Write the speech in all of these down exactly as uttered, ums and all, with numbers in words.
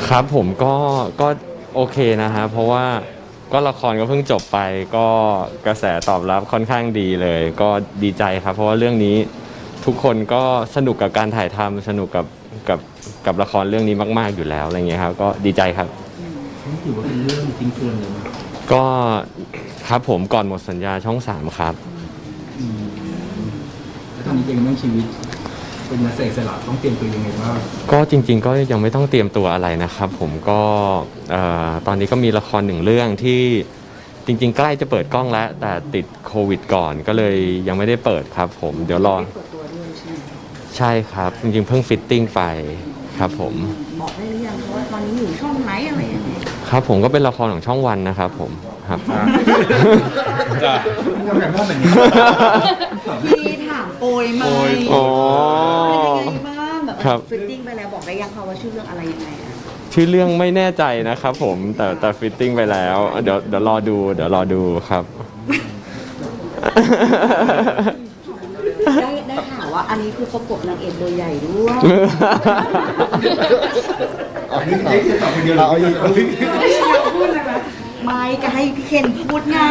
ครับผมก็ก็โอเคนะฮะเพราะว่าก็ละครก็เพิ่งจบไปก็กระแสตอบรับค่อนข้างดีเลยก็ดีใจครับเพราะว่าเรื่องนี้ทุกคนก็สนุกกับการถ่ายทำสนุกกับกับกับละครเรื่องนี้มากๆอยู่แล้วอะไรเงี้ยครับก็ดีใจครับนี่ถือว่าเป็นเรื่องจริงเฟิร์นเลยก็ครับผมก่อนหมดสัญญาช่องสามครับแล้วตอนนี้เป็นเรื่องชีวิตเป็นนักแสดงอิสระต้องเตรียมตัวยังไงบ้างก็จริงๆก็ยังไม่ต้องเตรียมตัวอะไรนะครับผมก็ตอนนี้ก็มีละครหนึ่งเรื่องที่จริงๆใกล้จะเปิดกล้องแล้วแต่ติดโควิดก่อนก็เลยยังไม่ได้เปิดครับผมเดี๋ยวรอใช่ครับจริงๆเพิ่งฟิตติ้งไปครับผมบอกได้หรือยังว่าตอนนี้อยู่ช่องไหนอะไรยังไงครับผมก็เป็นละครของช่องวันนะครับผมครับจ้าแบบว่าแบบนี้พี่ถามโปรยไหมอ๋อเป็นยังไงบ้างแบบฟิตติ้งไปแล้วบอกได้ยังคะว่าชื่อเรื่องอะไรยังไงอะชื่อเรื่องไม่แน่ใจนะครับผมแต่แต่ฟิตติ้งไปแล้วเดี๋ยวเดี๋ยวรอดูเดี๋ยวรอดูครับได้ได้ข่าวว่าอันนี้คือประกบนางเอกตัวใหญ่ด้วยอันนี้จะตอบคนเดียวเราเอาอีกไม่ใช่พูดเลยนะไม่ก็ให้พี่เคนพูดไง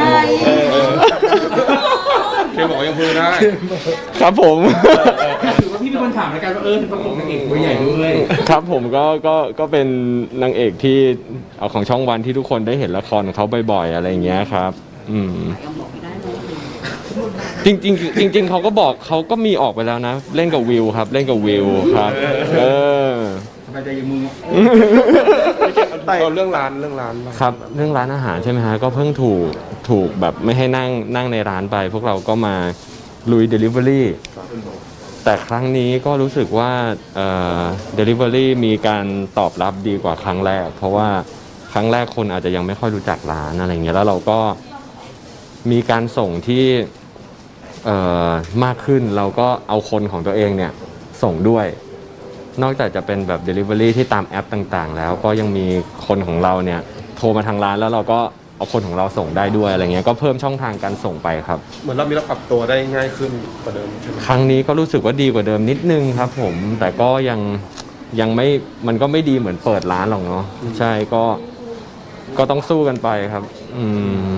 เคนบอกยังพูดได้ครับผมถือว่าพี่เป็นคนถามรายการว่าเออเป็นประกบนางเอกตัวใหญ่ด้วยครับผมก็ก็ก็เป็นนางเอกที่เอาของช่องวันที่ทุกคนได้เห็นละครของเขาบ่อยๆอะไรอย่างเงี้ยครับอืมจริงจริงจริงจริงเขาก็บอกเขาก็มีออกไปแล้วนะเล่นกับวิวครับเล่นกับวิวครับเออสบายใจยังมึงเอาเรื่องร้านเรื่องร้านครับเรื่องร้านอาหารใช่ไหมฮะก็เพิ่งถูกถูกแบบไม่ให้นั่งนั่งในร้านไปพวกเราก็มาลุย Delivery แต่ครั้งนี้ก็รู้สึกว่าเอ่อ Delivery มีการตอบรับดีกว่าครั้งแรกเพราะว่าครั้งแรกคนอาจจะยังไม่ค่อยรู้จักร้านอะไรเงี้ยแล้วเราก็มีการส่งที่เอ่อมากขึ้นเราก็เอาคนของตัวเองเนี่ยส่งด้วยนอกจากจะเป็นแบบ Delivery ที่ตามแอปต่างๆแล้วก็ยังมีคนของเราเนี่ยโทรมาทางร้านแล้วเราก็เอาคนของเราส่งได้ด้วยอะไรเงี้ยก็เพิ่มช่องทางการส่งไปครับเหมือนเรามีเราปรับตัวได้ง่ายขึ้นกว่าเดิมใช่ไหมครั้งนี้ก็รู้สึกว่าดีกว่าเดิมนิดนึงครับผมแต่ก็ยังยังไม่มันก็ไม่ดีเหมือนเปิดร้านหรอกเนาะใช่ก็ก็ต้องสู้กันไปครับอืม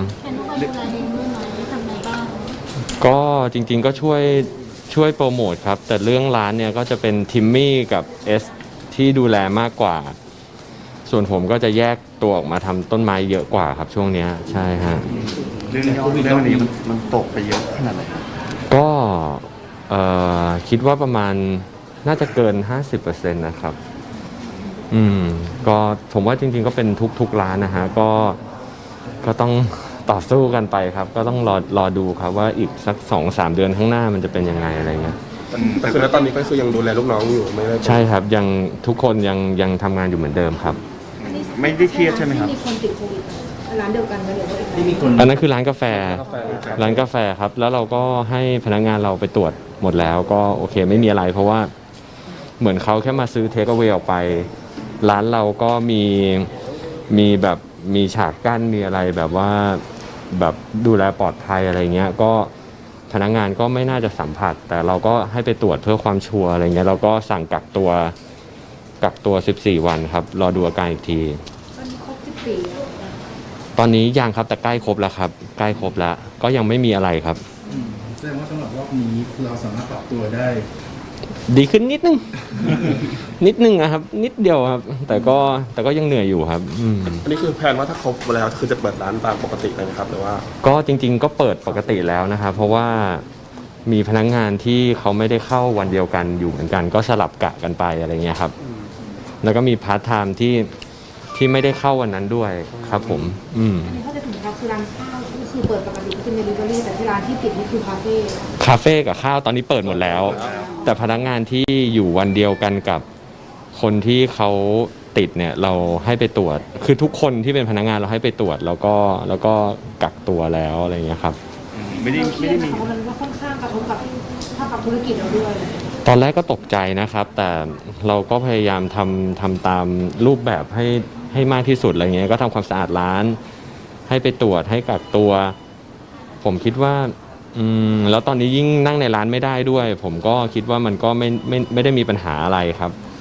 ก็จริงๆก็ช่วยช่วยโปรโมทครับแต่เรื่องร้านเนี่ยก็จะเป็นทิมมี่กับเอสที่ดูแลมากกว่าส่วนผมก็จะแยกตัวออกมาทำต้นไม้เยอะกว่าครับช่วงนี้ใช่ฮะเรื่องเรื่องนี้มันมันตกไปเยอะขนาดไหนก็เอ่อคิดว่าประมาณน่าจะเกิน ห้าสิบเปอร์เซ็นต์ นะครับอืมก็ผมว่าจริงๆก็เป็นทุกๆร้านนะฮะก็ก็ต้องต่อสู้กันไปครับก็ต้องรอรอดูครับว่าอีกสัก สองสาม เดือนข้างหน้ามันจะเป็นยังไงอะไรเงี้ยแต่คือแล้วตอนนี้ก็คือยังดูแลลูกน้องอยู่ไม่ได้ใช่ครับยังทุกคนยังยังทำงานอยู่เหมือนเดิมครับไม่ได้เครียดใช่ไหมครับมีคนติดโควิดร้านเดียวกันไหมหรือว่าที่มีคนอันนั้นคือร้านกาแฟร้านกาแฟครับแล้วเราก็ให้พนักงานเราไปตรวจหมดแล้วก็โอเคไม่มีอะไรเพราะว่าเหมือนเขาแค่มาซื้อเทคเอาไว้ออกไปร้านเราก็มีมีแบบมีฉากกั้นมีอะไรแบบว่าแบบดูแลปลอดภัยอะไรเงี้ยก็พนักงานก็ไม่น่าจะสัมผัสแต่เราก็ให้ไปตรวจเพื่อความชัวร์อะไรเงี้ยเราก็สั่งกักตัวกักตัวสิบสี่วันครับรอดูอาการอีกทีตอนนี้ครบสิบสี่ตอนนี้ยังครับแต่ใกล้ครบแล้วครับใกล้ครบแล้วก็ยังไม่มีอะไรครับแสดงว่าสำหรับรอบนี้เราสามารถปรับตัวได้ดีขึ้นนิดนึง นิดนึงนะครับนิดเดียวครับแต่ก็แต่ก็ยังเหนื่อยอยู่ครับอันนี้คือแผนว่าถ้าครบแล้วคือจะเปิดร้านตามปกติเลยไหมครับหรือว่าก็จริงๆก็เปิดปกติแล้วนะครับเพราะว่ามีพนักงานที่เขาไม่ได้เข้าวันเดียวกันอยู่เหมือนกันก็สลับกะกันไปอะไรเงี้ยครับแล้วก็มีพาร์ทไทม์ที่ที่ไม่ได้เข้าวันนั้นด้วยครับผมอืมอันนี้เขาจะถึงครับคือร้านข้าวก็คือเปิดปกติเป็นเดลิเวอรี่แต่ที่ร้านที่ปิดนี่คือคาเฟ่คาเฟ่กับข้าวตอนนี้เปิดหมดแล้วแต่พนักงานที่อยู่วันเดียวกันกับคนที่เขาติดเนี่ยเราให้ไปตรวจคือทุกคนที่เป็นพนักงานเราให้ไปตรวจแล้วก็แล้วก็กักตัวแล้วอะไรเงี้ยครับไม่ได้ไม่ได้มีมันก็ค่อนข้างกระทบกับภาพธุรกิจเราด้วยตอนแรกก็ตกใจนะครับแต่เราก็พยายามทำทำตามรูปแบบให้ให้มากที่สุดอะไรเงี้ยก็ทำความสะอาดร้านให้ไปตรวจให้กักตัวผมคิดว่าอืมแล้วตอนนี้ยิ่งนั่งในร้านไม่ได้ด้วยผมก็คิดว่ามันก็ไม่ไม่ไม่ได้มีปัญหาอะไรครับ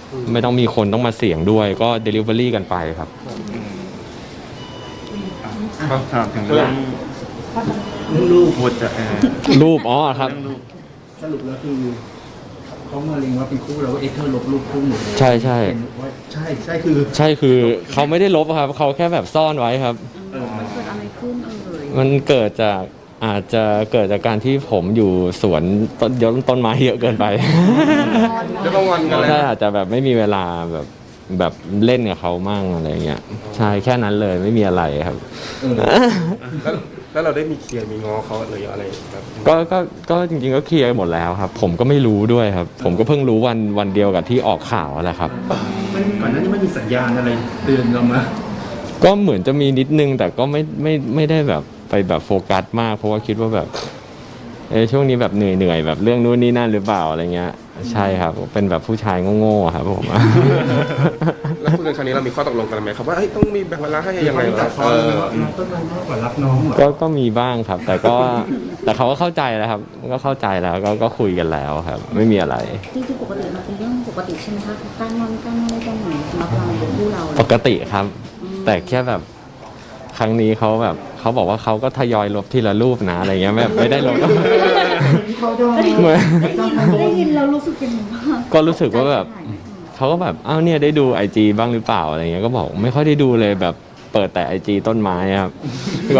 ไม่ต้องมีคนต้องมาเสี่ยงด้วยก็ Delivery กันไปครับครับถามถึงเรื่องเรื่องลูกบทจะเอ่อรูปอ๋อครับเรื่องลูกสรุปแล้วคือเขามาเล็งว่าเป็นคู่แล้วว่าเอ็กเธอร์ลบรูปคู่หนูใช่ใช่เป็นว่าใช่ใช่คือใช่คือเขาไม่ได้ลบครับเขาแค่แบบซ่อนไว้ครับเออมันเกิดอะไรขึ้นเอ่ยมันเกิดจากอาจจะเกิดจากการที่ผมอยู่สวนต้นยต้นไม้เยอะเกินไปจะต้องงอนกันเลยใช่อาจจะแบบไม่มีเวลาแบบแบบเล่นกับเขามั่งอะไรเงี้ยใช่แค่นั้นเลยไม่มีอะไรครับเออแล้วแล้วเราได้มีเคลียร์มีง้อเขาหรืออะไรแบบก็ก็ก็จริงๆก็เคลียร์หมดแล้วครับ ผมก็ไม่รู้ด้วยครับ ผมก็เพิ่งรู้วันวันเดียวกับที่ออกข่าวแหละครับมันก่อนหน้านี้ไม่มีสัญญาณอะไรเตือนเรามาก็เหมือนจะมีนิดนึงแต่ก็ไม่ไม่ไม่ได้แบบไปแบบโฟกัสมากเพราะว่าคิดว่าแบบเออช่วงนี้แบบเหนื่อยเหนื่อยแบบเรื่องนู้นนี่นั่นหรือเปล่าอะไรเงี้ยใช่ครับเป็นแบบผู้ชายโง่ๆครับผมแล้วคุยกันครั้งนี้เรามีข้อตกลงกันไหมครับว่าเอ้ยต้องมีแบ่งเวลาให้ยังไงจัวะบคอเอเลยอว่าน้องต้นไม้มากกว่ารักน้องเหรอก็ก็มีบ้างครับ แต่ก็แต่เขาก็เข้าใจแล้วครับ ก็เข้าใจแล้วก็ก็คุยกันแล้วครับ ไม่มีอะไรจริงๆปกติมันเป็นเรื่องปกติใช่ไหมคะการงอนการอะไรกันหนูสำหรับเราเป็นคู่เราปกติครับ แต่แค่แบบครั้งนี้เขาแบบเขาบอกว่าเขาก็ทยอยลบทีละรูปนะอะไรเงี้ยแบบไม่ได้ลบเขาโดนเหมือนได้ยินได้ยินเรารู้สึกยังไงบ้างก็รู้สึกว่าแบบเขาก็แบบอ้าวเนี่ยได้ดูไอจีบ้างหรือเปล่าอะไรเงี้ยก็บอกไม่ค่อยได้ดูเลยแบบเปิดแต่ไอจีต้นไม้ครับ ก็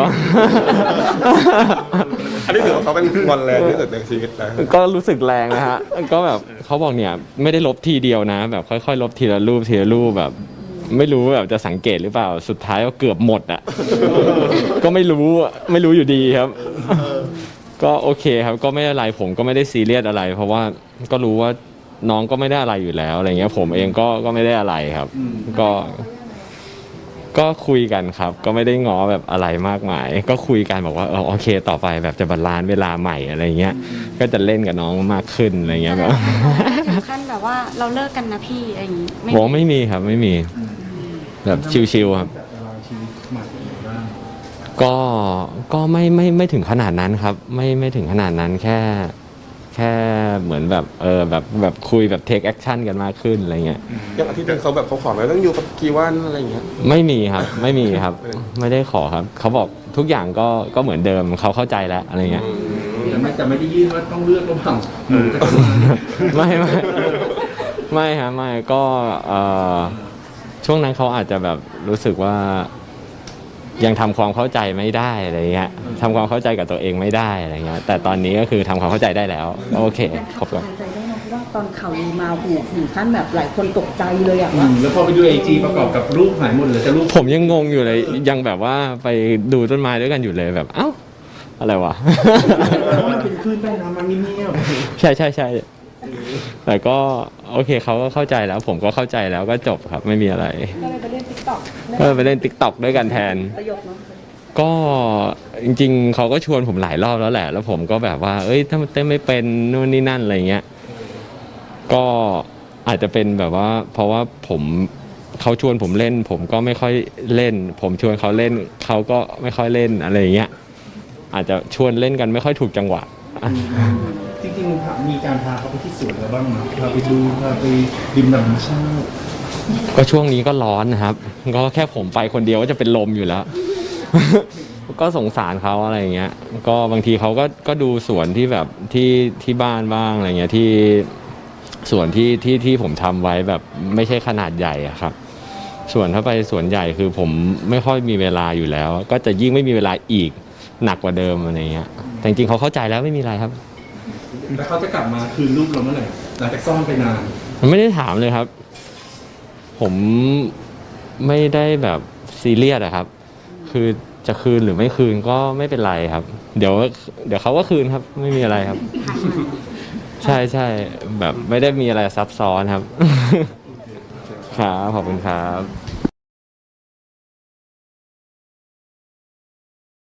อันนี้ถือว่าเขาเป็นงอนแรงที่สุดในชีวิตแล้วก็รู้สึกแรงนะฮะ ก็แบบเขาบอกเนี่ยไม่ได้ลบทีเดียวนะ แบบค่อยๆ ลบทีละรูปทีละรูปแบบ ไม่รู้แบบจะสังเกตหรือเปล่าสุดท้ายก็เกือบหมดอ่ะ ก็ไม่รู้อะไม่รู้อยู่ดีครับ ก็โอเคครับก็ไม่อะไรผมก็ไม่ได้ซีเรียสอะไร เพราะว่าก็รู้ว่าน้องก็ไม่ได้อะไรอยู่แล้วอะไรเงี้ย ผมเองก็ก็ไม่ได้อะไรครับ ก็ ก็คุยกันครับ ก็ไม่ได้ง้อแบบอะไรมากมาย ก็คุยกันบอกว่าเออโอเค ต่อไปแบบจะบาลานซ์เวลาใหม่อะไรเงี้ย ก็จะเล่นกับน้องมากขึ้นอะไรเงี้ยแบบถึงขั้นแบบว่าเราเลิกกันนะพี่อะไรอย่างงี้ไม่บอกไม่มีครับไม่มี แบบชิวๆครับจัดตารางชีวิตใหม่บ้างก็ก็ไม่ไม่ไม่ถึงขนาดนั้นครับ ไม่ไม่ถึงขนาดนั้นแค่ แค่เหมือนแบบเออแบบแบบคุยแบบเทคแอคชั่นกันมากขึ้นอะไรเงี้ยอย่างอาทิตย์หนึงเขาแบบเขาขอไหมต้องอยู่กับกี่วันอะไรอย่างเงี้ยไม่มีครับ ไม่มีครับ ไม่ได้ขอครับ เขาบอกทุกอย่างก็ก็เหมือนเดิมเขาเข้าใจแล้วอะไรเงี้ยแต่ไม่แต่ไม่ได้ยื่นว่าต้องเลือกระหว่างหนูกับต้นไม้ไม่ไม่ไม่ครับไม่ก็เอ่อช่วงนั้นเขาอาจจะแบบรู้สึกว่า ยังทำความเข้าใจไม่ได้อะไรเงี้ยทำความเข้าใจกับตัวเองไม่ได้อะไรเงี้ยแต่ตอนนี้ก็คือทำความเข้าใจได้แล้วโอเคครบสแล้วบายใจได้นะเพราะว่าตอนข่าวลือมาหูถึงขั้นแบบหลายคนตกใจเลยอะอืว่ามแล้วพอไปดูไอจีประกอบกับรูปหายหมดเลยแต่รูปผมยังงงอยู่เลยยังแบบว่าไปดูต้นไม้ด้วยกันอยู่เลยแบบเอ้าอะไรวะเพราะมันเป็นคลื่นใต้น้ำมันเงียบใช่ใช่ใช่แต่ก็โอเคเขาก็เข้าใจแล้ว ผมก็เข้าใจแล้วก็จบครับไม่มีอะไรก็เลยไปเล่นติ๊กต็อกก็ไปเล่นติ๊กต็อกด้วยกันแทนประโยคเนาะก็จริงๆเขาก็ชวนผมหลายรอบแล้วแหละ แล้วผมก็แบบว่า เอ้ยถ้ามันเต้นไม่เป็นนู่นนี่นั่นอะไรเงี้ย ก็อาจจะเป็นแบบว่า เพราะว่าผมเขาชวนผมเล่น ผมก็ไม่ค่อยเล่น ผมชวนเขาเล่นเขาก็ไม่ค่อยเล่นอะไรเงี้ย อาจจะชวนเล่นกันไม่ค่อยถูกจังหวะๆจริงๆมีการพาเขาไปที่สวนแล้วบ้างไหมพาไปดูพาไปริมธรรมชาติก็ช่วงนี้ก็ร้อนนะครับ ก็แค่ผมไปคนเดียวก็จะเป็นลมอยู่แล้ว ก็สงสารเขาอะไรอย่างเงี้ย ก็บางทีเขาก็ก็ดูสวนที่แบบที่ที่บ้านบ้างอะไรเงี้ยที่สวนที่ที่ที่ผมทำไว้แบบไม่ใช่ขนาดใหญ่อะครับ ส่วนถ้าไปสวนใหญ่คือผมไม่ค่อยมีเวลาอยู่แล้ว ก็จะยิ่งไม่มีเวลาอีกหนักกว่าเดิมอะไรเงี้ย แต่จริงๆเขาเข้าใจแล้วไม่มีอะไรครับแล้วเขาจะกลับมาคืนรูปเราเมื่อไหร่หลังจากซ่อนไปนานมันไม่ได้ถามเลยครับ ผมไม่ได้แบบซีเรียสอะครับ คือจะคืนหรือไม่คืนก็ไม่เป็นไรครับ เดี๋ยว เดี๋ยวเขาก็คืนครับ ไม่มีอะไรครับ ใช่ใช่แบบไม่ได้มีอะไรซับซ้อนครับ ครับขอบคุณครับ